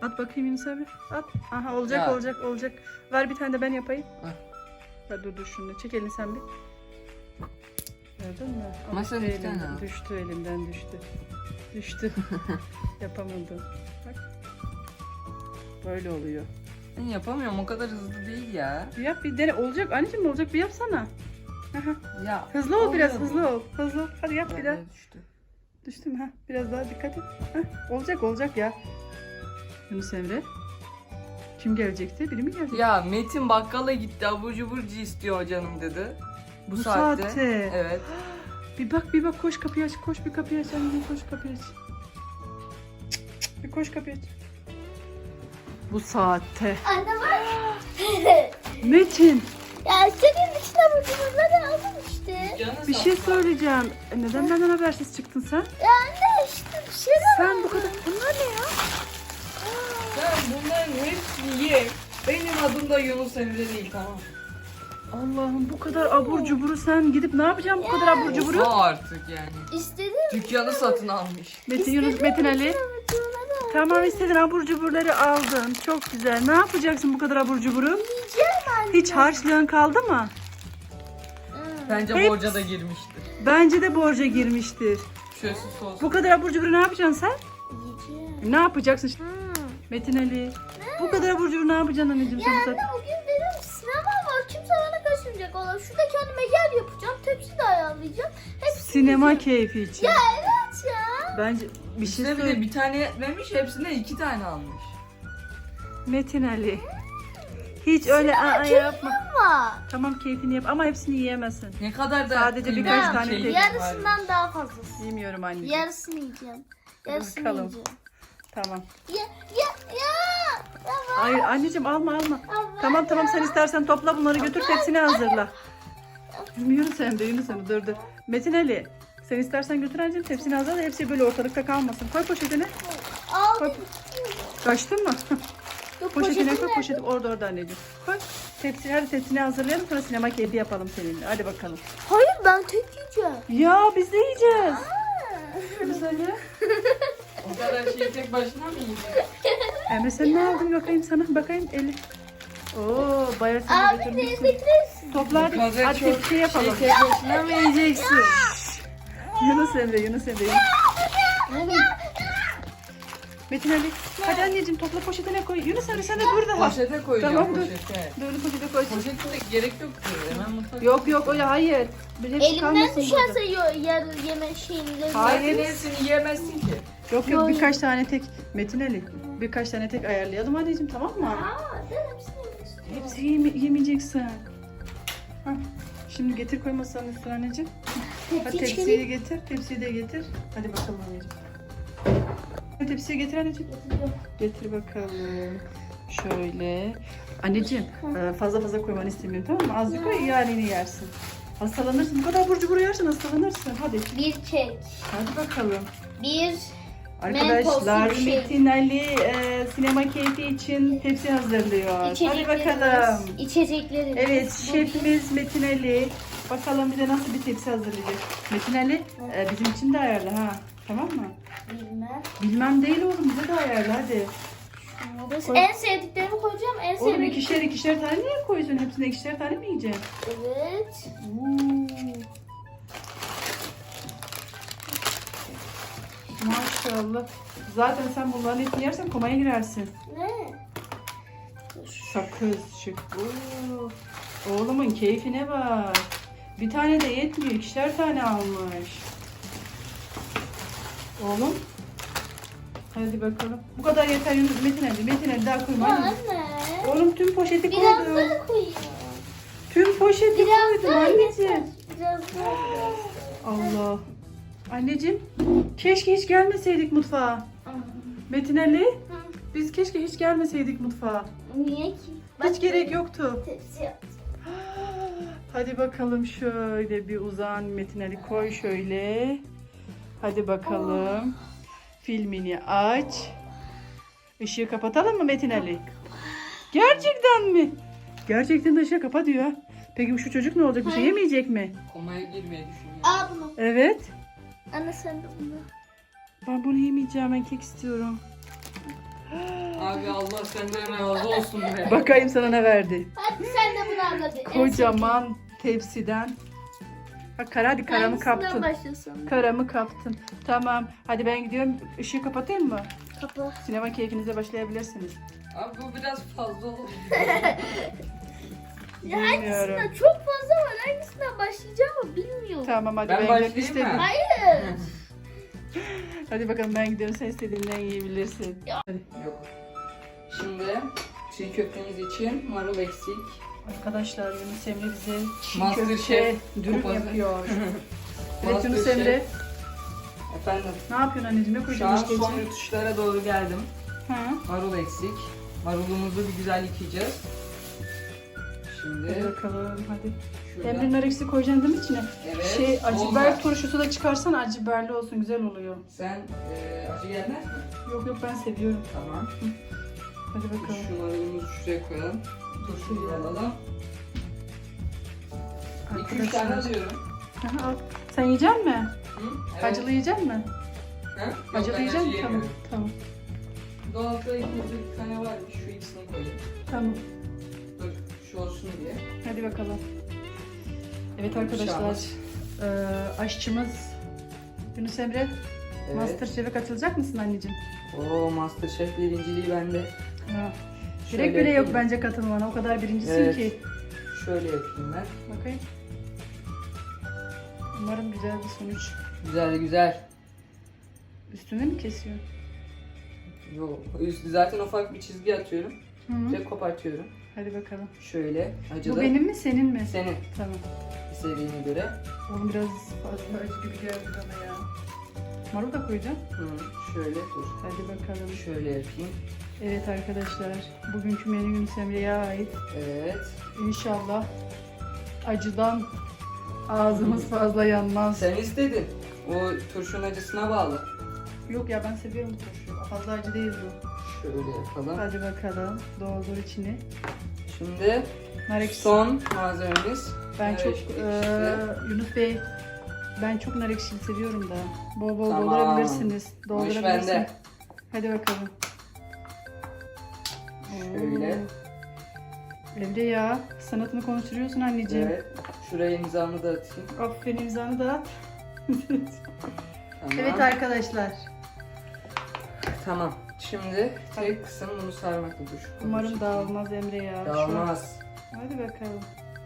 At bakayım Yunus abi. At. Aha olacak Ya. olacak. Ver bir tane de ben yapayım. Heh. Ver dur şunu. Çek elini sen bir. Gördün mü? Ama Düştü sen bir elimden, tane al. düştü elimden düştü. Düştü. Yapamadım. Bak. Böyle oluyor. Ben yapamıyorum, o kadar hızlı değil ya. Bir yap bir dene. Olacak anneciğim olacak bir yapsana. Aha. Ya Hızlı ol oluyor biraz mu? hızlı ol. Hızlı ol. Hadi yap bir daha. Böyle düştü. Düştü mü? Ha, biraz daha dikkat et. Heh, olacak ya. Yunus Emre. Kim gelecekti? Biri mi gelecek? Ya Metin bakkala gitti, abur cuburcu istiyor canım dedi. Bu saatte. Evet. Bir bak koş kapıyı aç. Koş bir kapıyı aç. Anneciğim koş kapıyı aç. Bir koş kapıyı aç. Bu saatte. Anne var. Metin Ya senin içine vurduğumuzda aldım işte. Canı bir şey söyleyeceğim. Neden benden habersiz çıktın sen? Ya anne işte bir şey de Sen bu kadar... Bunlar ne ya? Sen bunların hepsini ye. Benim adım da Yunus Emre değil, tamam. Allah'ım bu kadar abur cuburu sen gidip ne yapacaksın bu kadar abur cuburu? O artık yani. İstedim. Dükkanı satın almış. Metin Yunus Metin Ali. Tamam istedin abur cuburları aldın. Çok güzel. Ne yapacaksın bu kadar abur cuburu? Yiyeceğim anne. Hiç harçlığın kaldı mı? Bence Hepsi- borca da girmiştir. Bence de borca girmiştir. Şöyle sos. Bu kadar abur cuburu ne yapacaksın sen? Yiyeceğim. Ne yapacaksın? Metin Ali. Bu kadar abur cuburu ne yapacaksın anneciğim sen bu Anne saat? bugün benim sinema var. Kimse bana kaçırmayacak. Valla şurada kendime yer yapacağım. Tepsi de ayarlayacağım. Hepsini Sinema yiyeceğim. keyfi için. Ya evet ya. Bence bir şey İşte bir de söyle. bir tane yetmemiş, hepsine 2 tane almış. Metin Ali. Hiç öyle yapma. Ama Tamam keyfini yap ama hepsini yiyemezsin. Ne kadar da Sadece kıymetli birkaç bir tane şey tek. var. yarısından daha fazlası. Yemiyorum anneciğim. Yarısını yiyeceğim. Yarısını Bakalım. yiyeceğim. Tamam. Ya. Tamam. Hayır anneciğim alma. Ama Tamam sen istersen topla bunları götür tepsini hazırla. Yunus Emre dur. Metin Ali sen istersen götür anneciğim tepsini hazırla hepsi böyle ortalıkta kalmasın. Koy poşetine. Al. Koy. Kaçtın mı? Yok, Poşetine koy poşetim poşeti orada anneciğim. Koy. Hadi tepsini hazırlayalım sonra sinema keyfi yapalım seninle. Hadi bakalım. Hayır ben tek yiyeceğim. Ya biz de yiyeceğiz. Yunus Emre. O kadar şeyi tek başına mı yiyecek? Emre sen ne aldın bakayım sana bakayım eli. Oo bayağı sen de Abi götürmüşsün. teyze Topla hadi. Bu kadar Hadi çok tepsi yapalım. Şey tek başına mı yiyeceksin? Yunus Emre. Oğlum. Metin Ali. Hadi anneciğim topla poşetine koy. Yunus Emre sen de burada. Poşete koyacağım, Tamam, dur. poşete. Böyle poşete koy. Poşete de gerek yok ki. Hemen mutfak. Yok öyle hayır. Bir hepsi elimden kalmasın düşerse burada. yarı yeme şeyinde. Hayır. Hepsini yiyemezsin ki. Yok birkaç tane tek. Metin Ali. Birkaç tane tek ayarlayalım anneciğim tamam mı? Aa, ben hepsini yemek istiyorum. Hepsi yemeyeceksin. Hah. Şimdi getir koy masanın üstüne anneciğim. Hadi Tepsi tepsiyi getir. Tepsiyi de getir. Hadi bakalım anneciğim. Hadi tepsiyi getir anneciğim. Getir bakalım. Şöyle. Anneciğim fazla koymanı istemiyorum tamam mı? Azıcık koy yani yersin. Hastalanırsın. Bu kadar abur cubur yersin hastalanırsın. Hadi. Bir kek. Hadi bakalım. Bir Arkadaşlar Mentoslu bir şey. Metin Ali sinema keyfi için tepsi hazırlıyor. Hadi içeceklerimiz. bakalım. İçeceklerimiz. Evet Bu şefimiz Metin Ali. Bakalım bize nasıl bir tepsi hazırlayacak. Metin Ali bizim için de ayarla ha. Tamam mı? Bilmem. Bilmem değil oğlum bize de ayarla hadi. Koy. En sevdiklerimi koyacağım. En Oğlum sevdiklerimi. ikişer tane niye koyuyorsun? Hepsine ikişer tane mi yiyeceksin? Evet. Maşallah. Zaten sen bunların hepsini yersen komaya girersin. Ne? Sakız çık. Oğlumun keyfine bak. Bir tane de yetmiyor. İkişer tane almış. Oğlum. Hadi bakalım. Bu kadar yeter Yunus. Metin Ali daha koyma. Ya hadi. anne. Oğlum tüm poşeti Biraz koydum. daha koyayım. Tüm poşeti Biraz koydum daha anneciğim. yeter. Biraz daha. Allah. Anneciğim keşke hiç gelmeseydik mutfağa. Metin Ali biz keşke hiç gelmeseydik mutfağa. Niye ki? Hiç gerek yoktu. Tepsi yaptım. Hadi bakalım şöyle bir uzan Metin Ali koy şöyle. Hadi bakalım. Filmini aç. Işığı kapatalım mı Metin Ali? Gerçekten mi? Gerçekten de ışığı kapa diyor. Peki şu çocuk ne olacak? Bir şey yemeyecek mi? Komaya girmeyi düşünüyorum. Al bunu. Evet. Anne sen de bunu. Ben bunu yemeyeceğim. Ben kek istiyorum. Abi Allah senden razı olsun be. Bakayım sana ne verdi. Hadi sen de bunu al hadi. Kocaman tepsiden. Bak Kara, hadi karamı Hangisinden kaptın. başlasın? Karamı kaptın. Tamam. Hadi ben gidiyorum. Işığı kapatayım mı? Kapı. Sinema keyfinize başlayabilirsiniz. Abi bu biraz fazla oldu. Ya Bilmiyorum. hangisinden çok fazla var. Hangisinden başlayacağımı bilmiyorum. Tamam hadi Ben ben başlayayım gidiyorum. İstediğin- mı? Hayır. Hadi bakalım ben gidiyorum. Sen istediğinden yiyebilirsin. Hadi. Yok. Şimdi çiğ köftemiz için marul eksik. Arkadaşlar Yunus Emre bize çiğ Master köfte Chef dürüm kupası. yapıyor. Evet Master Yunus Chef. Emre. Efendim Ne yapıyorsun anneciğim? Ne şu koydun an işte son içine? yutuşlara doğru geldim. Ha? Marul eksik. Marulumuzu bir güzel yıkayacağız. Hadi Şimdi bakalım hadi. şurada. Emre'nin arısı koyacaksın değil mi içine? Evet. Şey acı olmaz. biber turşusu da çıkarsan acı biberli olsun, güzel oluyor. Sen acı gelmez mi? Yok yok ben seviyorum. Tamam. Hadi bakalım. Şu marulumuzu şuraya koyalım. Turşuyu alalım. 2-3 tane Arkadaşlar. alıyorum. Aha, al. Sen yiyecek misin? Hı? Evet. Acılı yiyecek misin? Ha? Yok, Acılı ben yiyecek acı misin? Tamam. yemiyorum. Tamam. Dolapta ikimizde bir tane varmış. Şu ikisini koyayım. Tamam. Dur şu olsun diye. Hadi bakalım. Evet Bir şey arkadaşlar. olmaz. Aşçımız Yunus Emre. Evet. Masterchef'e katılacak mısın anneciğim? Oo Masterchef birinciliği bende. Ha. Şöyle Direkt bile yok yapayım. bence katılmana. O kadar birincisin Evet. ki. Şöyle yapayım ben. Bakayım. Umarım güzel bir sonuç. Güzel güzel. Üstüne mi kesiyor? Yok. Üstü zaten ufak bir çizgi atıyorum. Hı -hı. Ve kopartıyorum. Hadi bakalım. Şöyle acılı. Bu benim mi senin mi? Senin Tamam. istediğine göre. Oğlum biraz fazla acı gibi geldi bana ya. Marul da koyacağım. Hı, şöyle dur. Hadi bakalım. Şöyle yapayım. Evet arkadaşlar. Bugünkü menü Yunus Emre'ye ait. Evet. İnşallah acıdan ağzımız fazla yanmaz. Sen istedin. O turşunun acısına bağlı. Yok ya ben seviyorum bu turşuyu. Fazla acı değil bu. Şöyle yapalım. Hadi bakalım. Doldur içini. Şimdi Nar ekşisi. son malzememiz. Ben nar çok ekşisi. Yunus Bey, ben çok nar ekşili seviyorum da. Bol bol Tamam. doldurabilirsiniz. Bu iş Doldurabilirsin. bende. Hadi bakalım. Şöyle. Oo. Emre ya, sanatını konuşturuyorsun anneciğim. Evet. Şuraya imzamı da atayım. Aferin, imzanı da at. Tamam. Evet arkadaşlar. Tamam. Şimdi tek kısım bunu sarmakla dur. Umarım dağılmaz Emre ya. Dağılmaz. Hadi bakalım.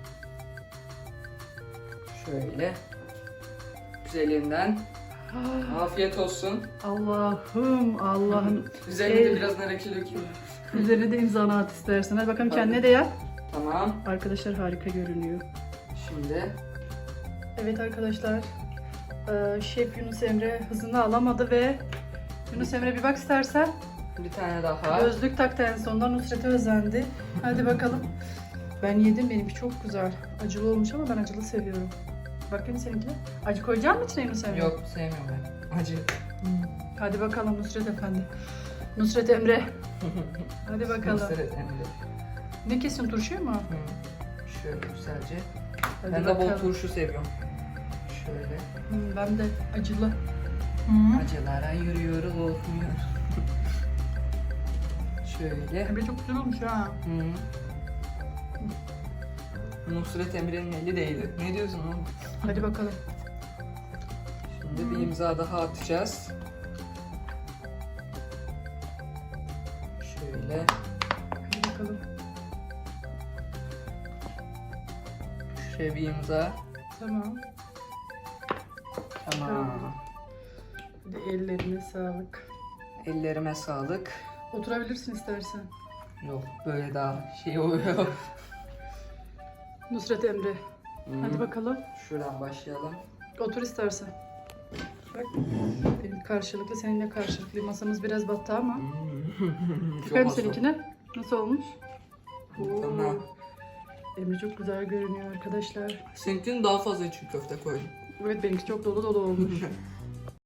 Şöyle. Güzelinden. Afiyet olsun. Allah'ım Allah'ım. Üzerine de biraz nar ekşi dökeyim. Üzerine de imzanı at istersen. Hadi bakalım Hadi. kendine de yap. Tamam. Arkadaşlar harika görünüyor. Şimdi Evet arkadaşlar. Şef Yunus Emre hızını alamadı ve Yunus Emre bir bak istersen. bir tane daha. Gözlük taktı en sonunda, Nusret'e özendi. Hadi bakalım. Ben yedim, benimki çok güzel. Acılı olmuş ama ben acılı seviyorum. Bakayım seninkine. Acı koyacak mısın içine Yunus Emre? Yok sevmiyorum ben. Acı. Hadi bakalım Nusret Efendi. Nusret Emre. Hadi bakalım. Mısır etinde. Ne kesiyorsun, turşuyu mu? Şöyle güzelce. Hadi Ben de bol bakalım. turşu seviyorum. Şöyle. Ben de acılı. Acılara yürüyoruz olmuyor. Şöyle. Emre çok güzel olmuş ha. Nusret Emre'nin eli değdi. Ne diyorsun oğlum? Hadi bakalım. Şimdi bir imza daha atacağız. Şöyle. Hadi bakalım. Şuraya bir imza. Tamam. Tamam. Hadi ellerine sağlık. Ellerime sağlık. Oturabilirsin istersen. Yok böyle daha şey oluyor. Nusret Emre. Hadi bakalım. Şuradan başlayalım. Otur istersen. Bak. Benim karşılıklı, seninle karşılıklı. Masamız biraz battı ama. Bakayım Çok seninkine. Nasıl olmuş? Oo. Tamam. Emre çok güzel görünüyor arkadaşlar. Seninkinin daha fazla çiğ köfte koydum. Evet benimki çok dolu dolu olmuş.